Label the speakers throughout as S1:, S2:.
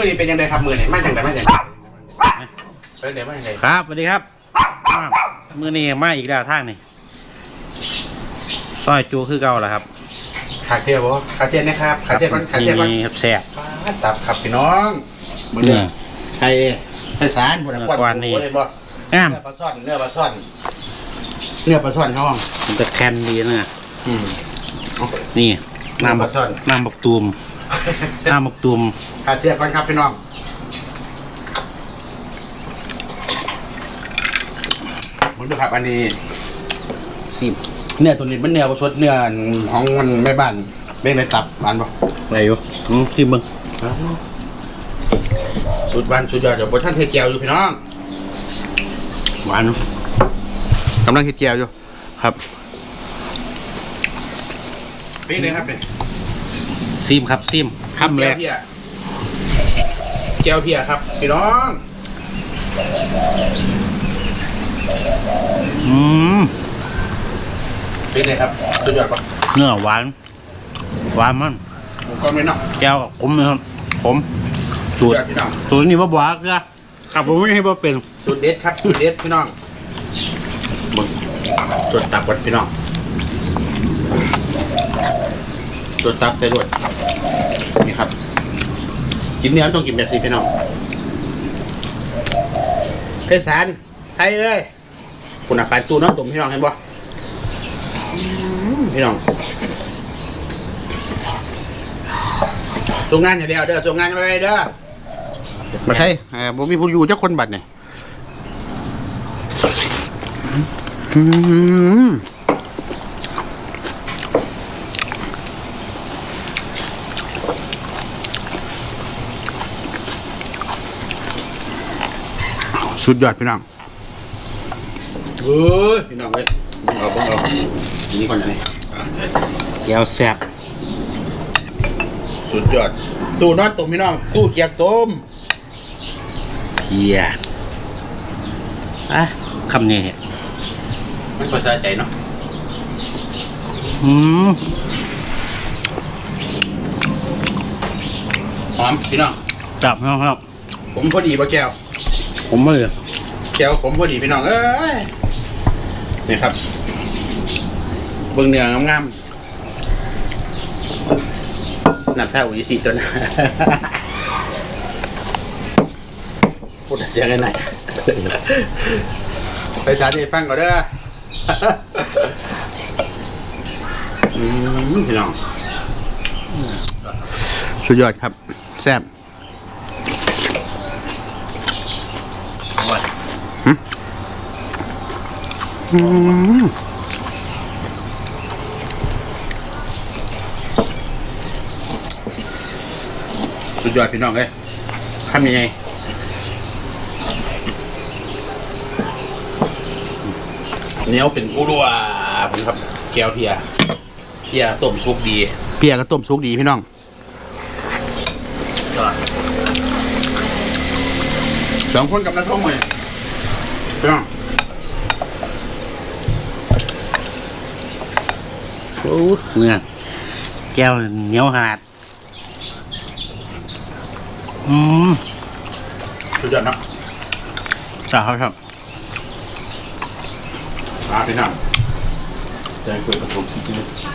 S1: อนี้เป็นยังไงครับมือนี่มาอย่างไรมาอย่างไรเป็นเดี๋ยวมาอย่างไร
S2: ครับสวัสดีครับมือนี้มาอีกแล้วทางนี่ซอยจูคือเก่าแหละครับ
S1: ขาเชียร์บ่ขาเชียร์นะครับขาเชียร์ก่อนขาเชียร์ก่อน
S2: แซ่บ
S1: ตับครับพี่น้องมือนี่ไทยสารหมดแล้วก้อนนี่บ่เนื้อปลาซ่อนเนื้อปลาซ่อนห้อง
S2: มันจะแคนดีนะนี่น้ำบักตูมน้ำบักตูม
S1: ขาเชียร์ก่อนครับพี่น้องมึงดูครับอันนี้ซิมเนื้อตัวนี้มันเนื้อสดเนื้อของมันแม่บ้านเบ้งในตับหวานป่ะ
S2: อะไรอยู่ที่มึง
S1: สุดหวานสุดยอดเดี๋ยวบนท่านเทเจียวอยู่พี่น้อง
S2: หวาน
S1: กำลังเทเจียวอยู่ครับเป็นไงครับเป็น
S2: ซิมครับซิมคำแรก
S1: เจียวเพียครับพี่น้องเป็นไงครับสุดยอดปะ
S2: เนื้อหวานมัน
S1: ผมก็ไม่นอก
S2: แก้วกับผมนะครับผมสูตรนี้ว่าบวกนะครับผมไม่ให้ว่าเป็น
S1: สูตรเด็ดครับสูตรเด็ดพี่น้องจดตับก่อนพี่น้องจดตับใส่ด้วยนี่ครับกินเนื้อต้องกินแบบนี้พี่น้องเพชรสารไทยเลยคุณอาการตู้น้องตุ่มพี่น้องเห็นบ่พี่น้องส่งงานอย่างเดียวเด้อส่งงานไปเด้อมาใช่ผมมีผู้อยู่เจ้าคนบัตรเนี่ยสุดยอดพี่น้องพี่น้องเลยเอาทีนี้ก่อนนะนี่
S2: แก้วแซ่บ
S1: สุดยอดตู้นอนตุ่มพี่น้องตู้เกียกต้ม
S2: เกียคำนี้
S1: มันก็สะใจเนาะหอมพี่น้อง
S2: จับครับ
S1: ผมพอดีป่ะแก้ว
S2: ผมไม่เลย
S1: แก้วผมพอดีพี่น้องเอ้ยนี่ครับเบื้องเนื้องามๆนับเท่าอีสี่ตัวนะพูดเสียงกันหน่อยไปสาธิตฟังก่อนเด้อพี่น้องสุดยอดครับแซ่บสุดยอดพี่น้องเลยทำยังไงเนี้ยเป็นอุรัวผมครับแก้วเพียต้มซุกดีเพียก็ต้มซุกดีพี่น้องสองคนกับน้าท่องเลยพี่น้อง
S2: เนื้อแก้วเหนียวขนาด
S1: สุดยอดนะ
S2: ครับ
S1: พี่น้องใจคุยกับผมสิ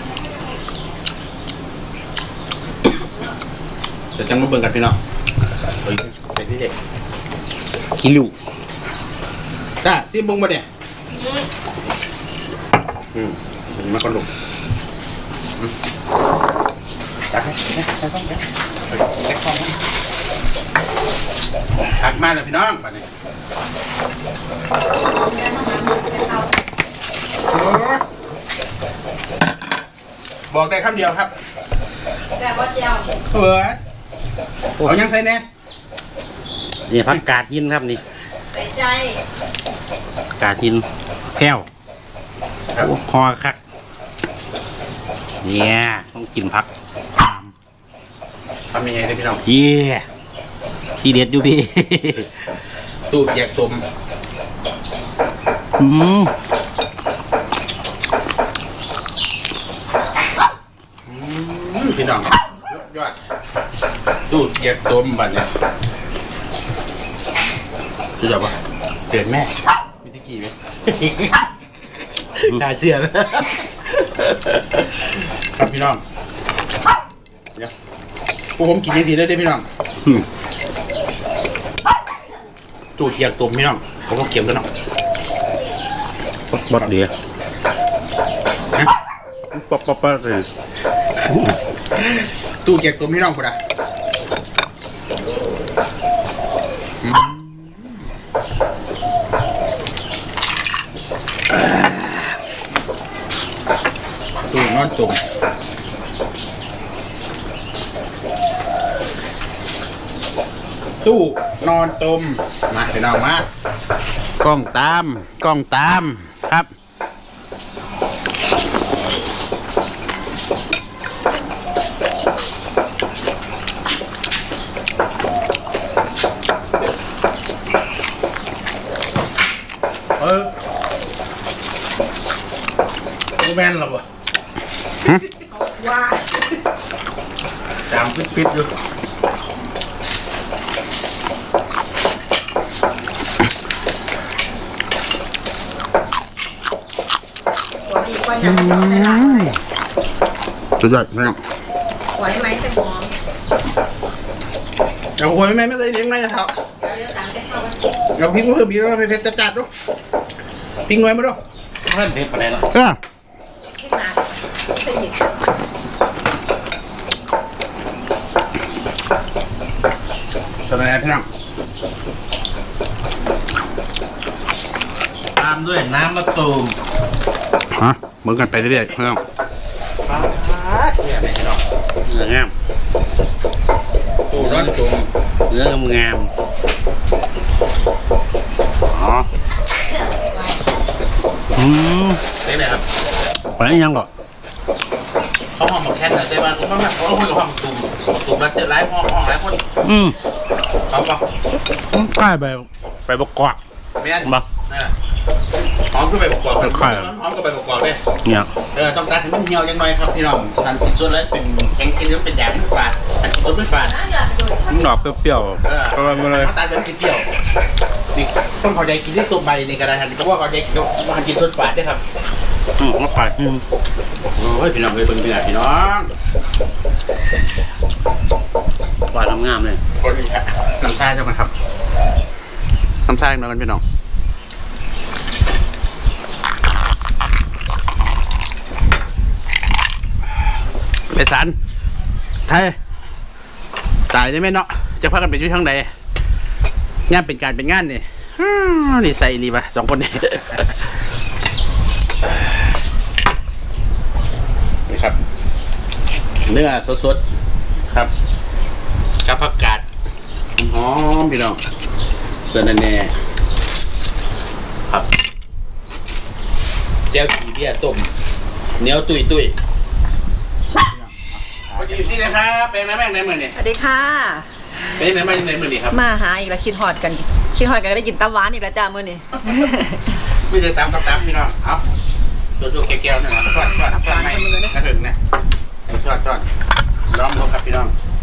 S1: จะจังมาเบิ่งกันพี่น้องไปที่เด็ก
S2: คิลู
S1: จ้าซิมบุ้งมาเนี่ยมาก่อนลูกจักให้หักมาเลยพี่น้องไปนี่บอกได้คำเดียวครับ
S3: แต่ว่าเจียว
S1: เอายังใส่แน่
S2: นี่ผักกาดหินครับนี่
S3: ใส่ใจ
S2: กาดหินแก้วหอคักเนี่ยต้องกินผัก
S1: ทำยังไงเลยพี่น้อง
S2: ที่เด็ดอยู่พี่
S1: ตู้แยกต้มพี่น้องยอดตู้เกียกต้มบัดเนี่ยรู้จักปะเตือนแม่มีตะกี้ไหมน่าเชื่อนะครับพี่น้องเดี๋ยวพวกผมกินยังดีได้พี่น้องตู้เกียกต้มพี่น้องผมก็เก็บกันเนาะ
S2: บดเดียวป๊อปเลย
S1: ตู้เก็บตัวพี่น้องกูนะตู้นอนตุ่มตู้นอนตุ่มมาพี่น้องมากล้องตามครับ
S2: แม่นหรอวะ
S3: ว่า
S2: จามฟิตอยู่
S3: หัวดีกว่าอย่างเดียวได้ละ
S1: สุดยอดพี่น้อง
S3: หัวไหมเป็นหอม
S1: เอาหัวไม่ได้เลี้ยงไงนะครับ
S3: เดี๋ยวตามไปเข้ากัน
S1: เอาพริกมาเพิ่มอีกแล้วเผ็ดจัดๆดูพริกน้อยมาดู
S2: เพื่อนเด็ดไปไหนล่ะ
S3: ที่มาใส่หยิบ
S1: สบายพี่น้อง
S2: ตามด้วยน้ำมะตูม
S1: ฮะเหมือนกันไปเรื่อยๆพี่น้อง
S2: เนี่ยไหนพี่น้องเนื้องาม
S1: ตู้นอนตุ่ม
S2: เนื้องามอ๋อ
S1: เป็นไงครับ
S2: ไปยังก่อน
S1: เขาห้องมาแค่ไหนได้บ้างเขาคุยกับห้องตุ่มแล้วเจอไล่ห้องไล่คนเขาบอก
S2: ใช่ไปบกกอก
S1: แม่นหอมก็ไปประกอบกันหอมก็ไปประกอบเลย
S2: เนี่ย
S1: ต้องตัดให้มันเหี่ยวยังหน่อยครับพี่น้องทันกินส่วนแล้วเป็นแข็งกินแล้วเป็นยาไม่ฝาดทันกินส่วนไม่ฝาด
S3: น้ำหยอดดู
S2: มันดอกเปรี้ยวๆก็มาเลย
S1: ตาเป็นกินเที่ยวนี่ต้องเข้าใจกินที่ตัวใบในกระดาษทันเพราะว่าเข้าใจมันกินส่วนฝาดได้ครับ
S2: มาไป
S1: โอ้ยพี่น้องเลยเป็นพี่น้อง
S2: หวานงามเลย
S1: คนนี้ครับน้ำชาจะมาครับน้ำชาเนาะกันพี่น้องไปสันไทยตายได้ไหมเนาะจะพากันไปอยู่ทางใดงานเป็นการเป็นงานนี่นี่ใส่รีป่ะ2 คนนี่นี่ครับเนื้อสดๆครับกับผักกาดหอมพี่น้องส่วนแน่ครับแจ่วขี้เบี้ยต้มเหนียวตุยสวัสดีพี่นะครับเป็นแม่ในมือนี่
S3: สวัสดีค่ะ
S1: เป็นไหนมาในมือนี่ครับ
S3: มาหาอีกแล้วคิดฮอดกันก็ได้กินตับหวานอีกแล้วจ้ามื้อนี้
S1: ไม่ได้ตามพี่น้องเอาตัวแก้วๆนี่นะช้อนไม่กระถึงนะช้อนล้อมลงครับพี่น้อง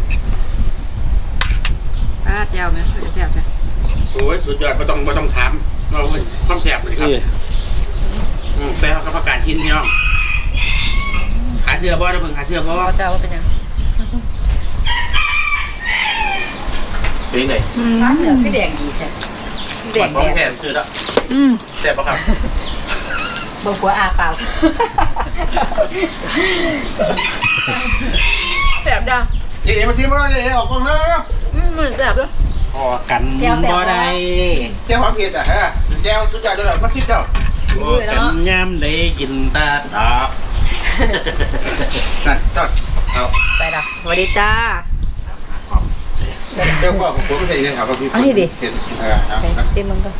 S3: ป้าแจ่วไหมจะแซ่บจ้ะ
S1: โอ้ยสุดยอดไม่ต้องถามเราเป็นความแซ่บเลยครับแซ่บกับผักกาดหินพี่น้องหาเสื้อบ่ได้เพิ่งหาเสื้อบ่
S3: เจ้าว่าเป็นยัง
S1: เป็นไง
S3: ร้านเหนือคือแดงดีแท้แดง
S1: พร้อมแทนซื้อแล้วแซ่บป่ะครับ
S3: เบิ่งหัวอาเปล่าแซ่บจ้ะ
S1: เดี๋ยวมาทีมาเลยออกกล้องแล้ว
S3: มันแซ่บด้วย
S2: พอกันบ่ได้
S1: แก้วความเผ็ดอ่ะฮะแก้วสุดยอดเลยมาคิดเจ้า
S2: กันยามได้กินตาตอบ
S1: นั่นจอดเอา
S3: ไปละสวัสดีจ้า
S1: เจ้าก็ของผมไม่ใช่เนี่ยครับพี่
S3: เอาให้ดิ
S1: เห็น
S3: ใส่ซิมมึงก็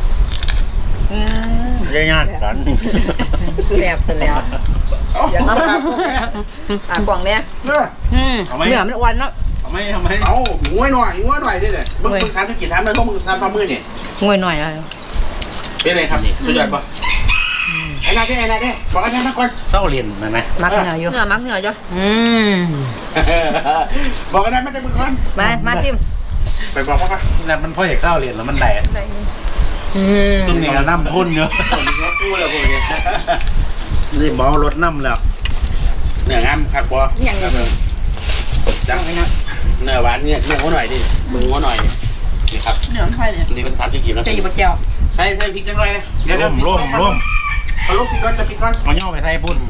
S2: ญาติกัน
S3: แซ่บเสร็จแล้วอย่างนั้นกล่องเนี้ย
S1: เนื้อ
S3: เนื้อมันอ้วนเนาะ
S2: ทำไมเอา
S1: งวยหน่อยได้เลยมึงสามธุรกิจทำเลยพวกมึง3 มือนี่
S3: งวยหน่อยเลย
S1: เป็นไรครับนี่สุดยอดป่ะไอ้นาเด้บอกไอ้นามาก่อน
S2: เศร้าเรียนนะนะ
S3: มักเหนืออยู่
S4: เหนือมักเหนือจ้ะ
S1: บอกไอ้นามาจากมือก่อน
S3: มาซิม
S1: ไปบอกเขาก่อน
S2: แล้วมันพ่ออยากเศร้าเรียนแล้วมันได้ตรงนี้ก็น้ำพ่นเยอะ
S1: คนนี้เขาพูดแล้วพวกนี้
S2: นี่หมอรถน้ำแล้ว
S1: เนื้องามครับบอจังเนื้อหวานเนี่ยเนื้อหัวหน่อยดิมึงหัวหน่อยนี่ครับ
S4: เหนือมันไฟเนี่ย
S1: นี่เป็น30กิโล
S3: จะอยู่บะแก้ว
S1: ใส่พริกจังเลยเดี๋ยว
S2: ร่ม
S1: เอาลูกพริกก่อนจะพริกก่อน
S2: เอาย่อไปไทยพุ่น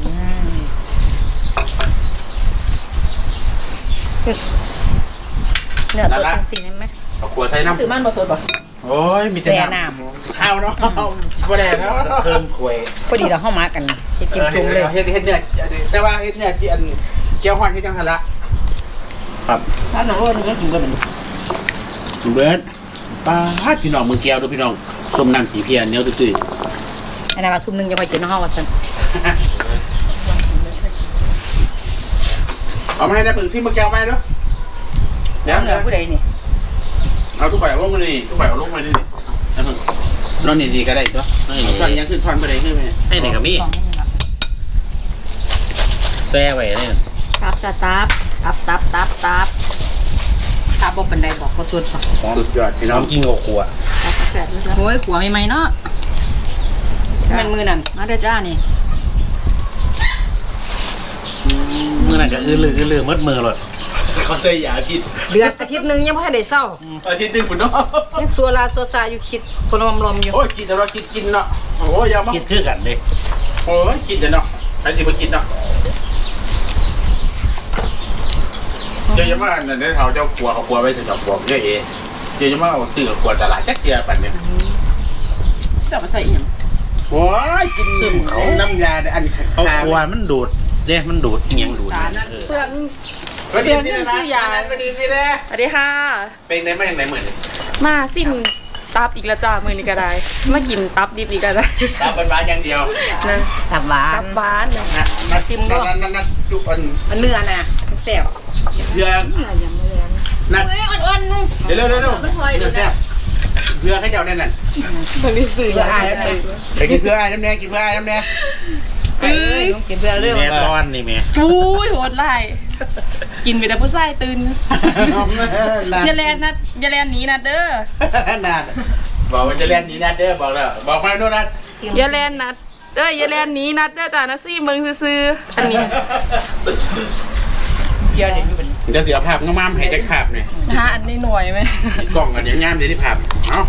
S3: เนื้อสดทั้งสิ่งไหม
S1: เอาขวดใส่น้ำ
S4: ซื้อมันบ่สดบ่
S1: โอ้ยมี
S3: แซ่น้
S1: ข้าวเนาะบ่ได้แล้ว
S2: เครื่องควย
S3: ำพอดีเราเข้ามากันจะจิ้มจุ่มเลย
S1: เฮ็ดเนื้อแต่ว่าเฮ็ดเนื้ออันเกี๊ยวฮ้อนเฮ็ดจังซั่นละครับ
S4: ถ้าหนูว่าหนูก็กินก็เหมือน
S1: เบิร์ดป้าดพี่น้องมือเกี๊ยวดูพี่น้องส้มน้ำขี้เพียเหนียวตุ้ย
S3: อันนั้นว่าทุ่มนึงจะไปกินน้องว่าสัน
S1: เอามาให้ได้เปิ่งซิมือเกี๊ยวไปเนาะเดี๋ยว
S3: เหนือผู้ใดนี่
S1: เอาทุกฝ่ายเอาลงมานี่ทุกฝ่ายเอาลงมานี่แล้วมึงนอนนี่ก็ได้ตัวเอาตอนยังขึ้นทอนไปได้ขึ้นไหม
S2: ให้หนึ่งกับมี่แซ่ไว้เนี่ย
S3: ตับจะตับตับบ่ปันใดบอกเขาสุด
S1: สุดยอดพี่น้
S2: น้
S1: อ
S2: อง งกินกับขว
S3: ตับแซ่บโอ้ยขัวใหม่ๆเนาะมันมือนั่นมาเด้อจ้านี่
S2: มือนั่นก็อื้อลือมัดมือเลย
S1: เขาใส่ยาพิษ
S3: เดือนอาทิตย์นึงยังไม่ทันได้เศร้า
S1: อาทิตย์นึงคุณเนาะ
S3: ยังสัวซาอยู่คิดคนลมอยู่
S1: โอ้ยคิดแต่เราคิดกินเนาะโอ้ยยาวมาก
S2: คิดคือกันเลย
S1: โอ้ยคิดเลยเนาะใครจะมาคิดเนาะเจ้าจะมาเนี่ยเดี๋ยวเขาเจ้าขัวเขาขัวไว้ถึงกับขัวเยอะเอเจ้าจะมาเอาซื้อกับขัวตลาดจักเกียร์ปั่นเนี่ย
S4: จะมาใส่อีหยัง
S1: โอ้ยกินน้ำยาอัน
S2: เอา
S1: ขา
S2: ขวมันดูดเด้มันดูดเงียงดูด
S4: เพื่อน
S1: ก็ดีสินะนะก็ดีสินะ
S5: สวัสดีค่ะ
S1: เป็นไหนมาอย่างไหนเหมือน
S5: มาสิ้นตับอีกแล้วจ้ามือนี้ก็ได้มากินตับดิบอีกแล้วได้
S1: ตาเป็นบ้านอย่างเดียว
S5: นะ
S3: ตับหวา
S5: ตั
S3: น
S5: บบ้านนะ
S1: นะนักจุอัน
S3: มันเนื้อน่ะแซ่บ
S1: เพื่อนัก
S3: อ่อน
S1: เดี๋ยวเร็วเพื่อให้เจ้าเนี่ยนั่น
S5: มันนี่สื่อ
S3: เพื่ออายแล้วไป
S1: ไปกินเพื่อไอ้น้ำแดงกินเพื่อไอ้น้ำแดง
S3: เอ้ยกินเพื่อเรื่อง
S2: แม่ต้อนนี่แม่
S5: อุ้ยโหดไล่กินไปแต่ผู้ชายตื่นอย่าแลนนะอย่าแลนหนีนะเด้อ
S1: นาดบอกว่าจะเล่นนี้นัดเด้อบอกแล้วบอกมาโน่นนัด
S5: อย่าแลนนัดอย่าแลนหนีนัดเด้อจ้านะซี่เมืองซื่อๆอันนี้
S3: เดี๋ยวเดี๋ยวอยู่เป็น
S1: เดี๋ยวเสียภาพงามๆให้ได้ภาพเนี่ย
S5: ฮะอันนี้หน่วยไหม
S1: กล่องกันเดี๋ยวงามเดี๋ยวได้ภาพเอา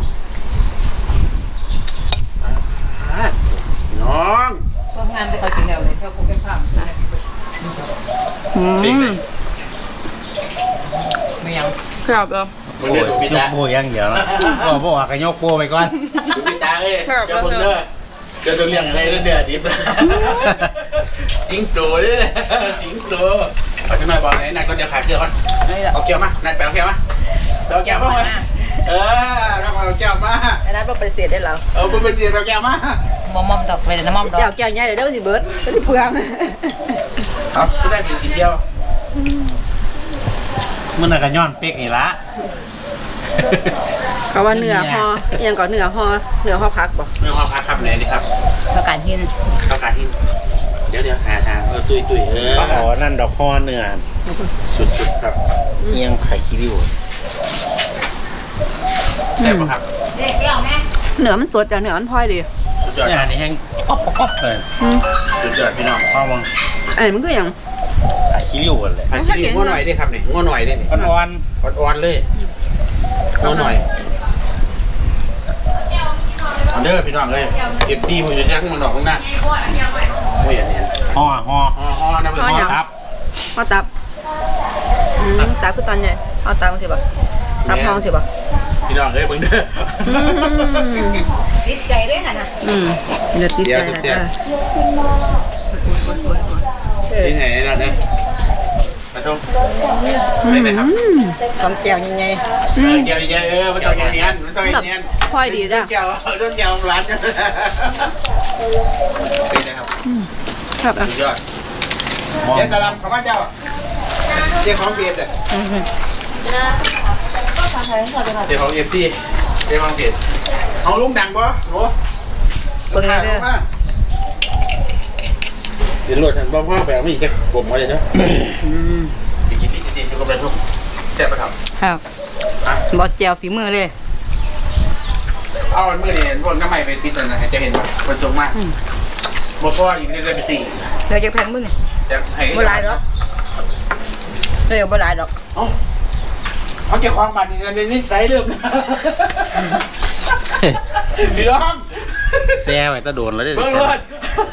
S1: น้อง
S3: พวกงานไปเขากินแล้วเลยเพราะพวกเป็นภาพไม่ยัง
S5: ครับเหรอ
S1: มึงเดือดดูพี่
S2: ย
S1: ตาก
S2: โบอย่างเดียวแล้วบอกว่าก็ยกโบไปก่อน
S1: ดูพี่ตาเอ้ยเจ้าคนเด้อเดี๋ยวจะเลี้ยงอะไรเดือดดิบสิงโตด้วยสิงโตเอาจังหน่อยบอกไหนนัดก่อนเดี๋ยวขาดเกลือก่อนเอาแก้วมานัดไปเอาแก้วมาเอาแก้วมาครับเอาแก้วมา
S3: อันนั้นเราปฏิเสธได้แล้ว
S1: เอาไปเสียเอาแก้วมาม
S3: อมดอกไปแต่น้ำมอมดอกแก้วใหญ่เดี๋ยวได้สิเบิร์ดก็สิเปลือง
S1: ครับก็ได้กินเดียว
S2: มันน่ะก็ย้อนเป๊กนี่ละ
S5: เขาว่าเหนือพอยังก่อนเหนือพอพักบ่
S1: ไม่ความพักครับไหนนี่ครับ
S3: ประกาศหิน
S1: ประกาศที่เดี๋ยวหาทางตุยๆ
S2: เขาบอกว่านั่นดอกคอเนื้อ
S1: สุดๆครับ
S2: เอียงไข่คิริว
S1: แซ่บปะครับ
S5: เหนือมันสดจ้ะเหนือมันพลอยดี
S1: สุดยอด
S2: เนี่ยนี่แห้งก๊อบเลย
S1: สุดยอดพี่น้อง
S2: พ่อวัง
S5: อันนี้มันคืออย่าง
S2: ไข่คิริวกันเลย
S1: ผัดชีริ้วง้อหน่อยได้ครับนี่ง้อหน่อยได้นี่
S2: อ่อน
S1: อ่อนๆเลยง้อหน่อยเด้อพี่น้องเลยเก็บที่ผมจะแจ้งมันดอกข้างหน้าโอ้ยอันนี้
S2: ๆห่อ
S1: ห่อนะเพื่อน
S2: ครับ
S5: ข้าวตับตับคือตอนใหญ่เอาตับสิบ่ตับทองสิบ่
S1: พี่น้องเอ้ยเบิ่งเด้อ
S3: ติดใจด้วยค่ะนะ
S5: เดือดติดใจนะจ้ะ
S1: ที่ไหนนั่นนะมาชมไม่ไหมครับ
S3: ต้มแก้วยังไง
S1: เกี่ยวใหญ่มันต้องอย่างนี้มันต้องอย่างนี้
S5: พลอยดีจ้ะ
S1: เกี่ยวต้องเกี่ยวร้านกันเป็นไงครับ
S5: ครับอ่ะ
S1: สุดยอดเจ้าตะลำเขามาเจ้าเจ้าของเบียร์เจ้าของเอฟซีเจ้าของเบียร์เอาลุงดังปะโห
S3: เบิ่งเลยเด้อ
S1: กินรวดทันพ่อแบบไม่จะกลมอะไรเนาะสิกินนี่สิอยู่กับอะไรพวกแซ่บปะครับ
S3: ครับบอสแจวฝีมือเลย
S1: เอาเมื่อเนี่ยพวกน้ำใหม่ไปติดนะจะเห็นป่ะคนชมมากบ่พ่ออยู่ในเดือนไปสี่
S3: เดี๋ยวจะแพงมึง
S1: จะให้
S3: บ่หลายดอกเดี๋ยวบ่หลายดอก
S1: เขาเกี่ยวความมันในนิสัยเริ่มนะพี่น้อง
S2: แซ่ไว้ตะโดนแล้วเด้
S1: เบิ่งรถ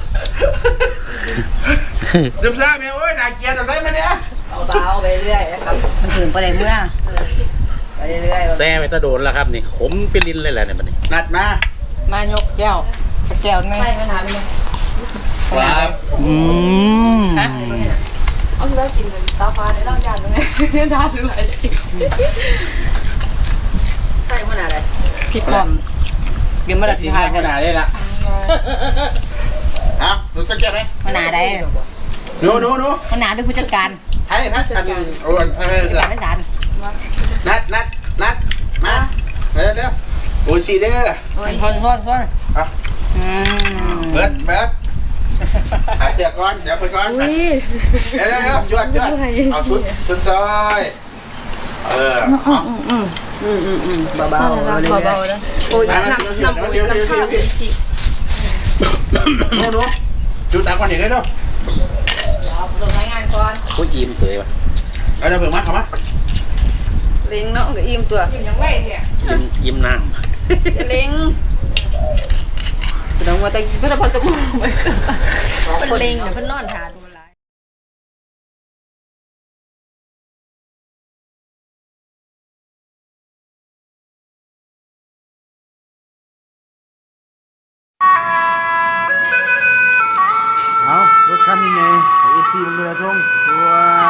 S1: จำซ่าแม่โอ้ยน่าเกลียดจำซ่าไหมเนี่ย
S3: เบาๆไปเรื่อยนะครับมันถึงประเด็นเมื่อไปเรื่อย
S2: แซ่ไว้ตะโดนแล้วครับนี่ขมเป็นลิ้นเลยแหละเนี่ยบัดนี้
S1: นัดมาม
S3: ายกแก้วแก้วนึง
S1: ครับ
S5: ฮะเอาสุดท้ายกินเลยตาฟ้าในร่างกายตรงนี้ทานด้วย
S3: ใส่ขนาดไหนที่พร้อมเดี๋ยวมาละ
S1: ที
S3: สิ
S1: ม
S3: ทาง
S1: านขนาดได้ละเอาดูสักแก้วไหม
S3: ขนาดใด
S1: หนู
S3: ขนาดด้วยผู้จัดการ
S1: ให้พัดอันโอ้ยให้
S3: ผู้จัดการไม่สาร
S1: นัดมาเดี๋ยวโอ้ยสีเด้อ
S3: ทน
S1: เอาเบิดหาเสียก่อนเดี๋ยวไปก่อนเดี๋ยวยวดเอาชุดซอย
S3: เบาๆ
S5: เบาๆนะโอ้ยน้ำข้าวเป็นชี
S1: หนูดูตามก่อนเห็นได้ด้วย
S3: เอาลงงานก่อน
S2: โอ้ยยิ้มสวยว่ะ
S1: เอาเดี๋ยวเพิ่งมาเข้ามา
S5: เล้งเนาะกับอิ่มตัว
S3: ยังไหวเนี่ย
S2: ยิ้มน้
S5: เล้งแต่ว่าแต่พระพรจะพูดไปเป็นเล้งเดี๋ยวเพิ่นนอนทาน
S1: เอารถคันนี้ไงเอฟซีมันดูแลทงตัว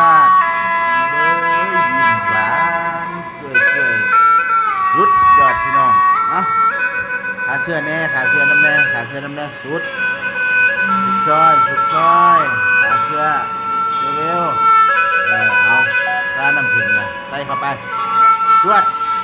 S1: ยิ้มหวานเกยสุดยอดพี่น้องเอาขาเสื้อแน่ขาเสื้อน้ำแน่ขาเสื้อน้ำแน่สุดซอยขาเสื้อเร็วเอาซาน้ำผึ้งนะใส่เข้าไปจวด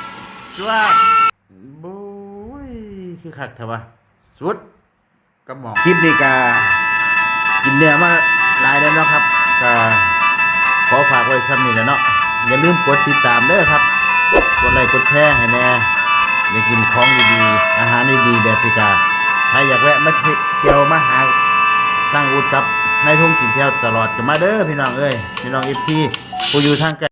S1: บุ้ยคือคักเถอะวะสุดกระหม่อมคลิปนี้กากินเนื้อมาหลายแล้วเนาะครับก็ขอฝากไว้ซ้ำนี่แหละเนาะอย่าลืมกดติดตามเด้อครับกดไลค์กดแชร์ให้แน่อยากกินของดีๆอาหารดีๆแบบสิกาถ้าอยากแวะมาเที่ยวมาหาสร้างอุดกับนายทงกินเที่ยวตลอดกันมาเด้อพี่น้องเอ้ยพี่น้องFCผู้อยู่ทางไกล